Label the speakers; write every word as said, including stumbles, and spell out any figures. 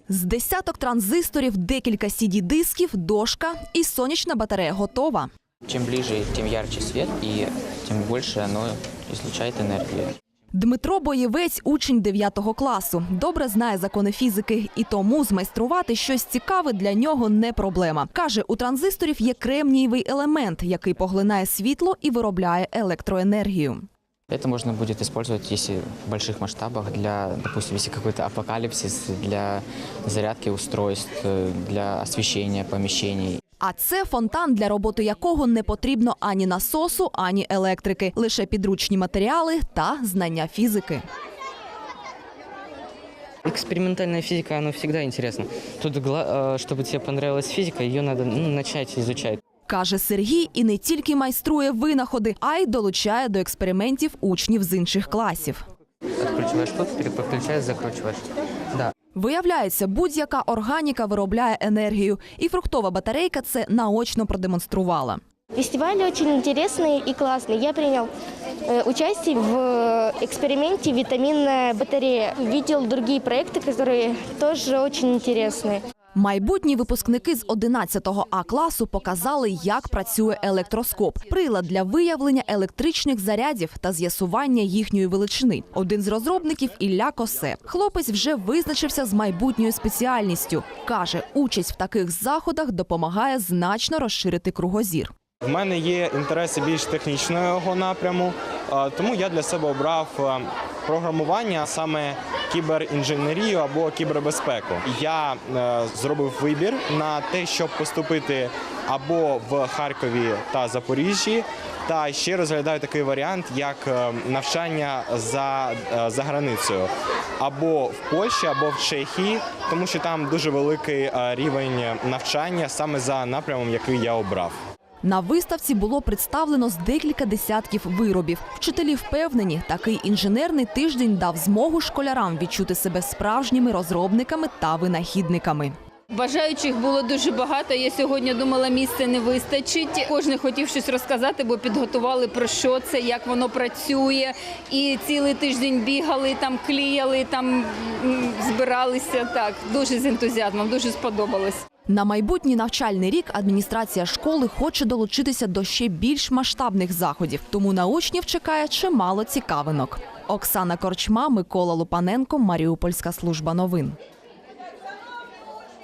Speaker 1: З десяток транзисторів, декілька сі ді-дисків, дошка і сонячна батарея готова.
Speaker 2: Чим ближче, тим ярче світ і тим більше воно излучає енергію.
Speaker 1: Дмитро Боєвець – учень дев'ятого класу. Добре знає закони фізики, і тому змайструвати щось цікаве для нього не проблема. Каже, у транзисторів є кремнієвий елемент, який поглинає світло і виробляє електроенергію.
Speaker 2: Это можно будет использовать, если в больших масштабах, для, допустим, если какой-то апокалипсис, для зарядки устройств, для освещения помещений.
Speaker 1: А це фонтан, для роботи якого не потрібно ані насосу, ані електрики. Лише підручні матеріали та знання фізики.
Speaker 3: Экспериментальная физика, она всегда интересна. Тут, чтобы тебе понравилась физика, ее надо ну, начать изучать.
Speaker 1: Каже Сергій, і не тільки майструє винаходи, а й долучає до експериментів учнів з інших класів.
Speaker 3: Откручиваешь тут, переключаешь, закручиваешь. Да.
Speaker 1: Виявляється, будь-яка органіка виробляє енергію. І фруктова батарейка це наочно продемонструвала.
Speaker 4: Фестиваль очень интересный и классный. Я принял э, участие в эксперименте «Витаминная батарея». Видел другие проекты, которые тоже очень интересные.
Speaker 1: Майбутні випускники з одинадцятого А класу показали, як працює електроскоп – прилад для виявлення електричних зарядів та з'ясування їхньої величини. Один з розробників – Ілля Косе. Хлопець вже визначився з майбутньою спеціальністю. Каже, участь в таких заходах допомагає значно розширити кругозір.
Speaker 5: В мене є інтереси більш технічного напряму, тому я для себе обрав програмування, саме кіберінженерію або кібербезпеку. Я зробив вибір на те, щоб поступити або в Харкові та Запоріжжі, та ще розглядаю такий варіант, як навчання за, за границею, або в Польщі, або в Чехії, тому що там дуже великий рівень навчання саме за напрямом, який я обрав.
Speaker 1: На виставці було представлено з декілька десятків виробів. Вчителі впевнені, такий інженерний тиждень дав змогу школярам відчути себе справжніми розробниками та винахідниками.
Speaker 6: Бажаючих було дуже багато. Я сьогодні думала, місця не вистачить. Кожен хотів щось розказати, бо підготували про що це, як воно працює. І цілий тиждень бігали, там клеїли, там збиралися. Так, дуже з ентузіазмом, дуже сподобалось.
Speaker 1: На майбутній навчальний рік адміністрація школи хоче долучитися до ще більш масштабних заходів, тому на учнів чекає чимало цікавинок. Оксана Корчма, Микола Лупаненко, Маріупольська служба новин.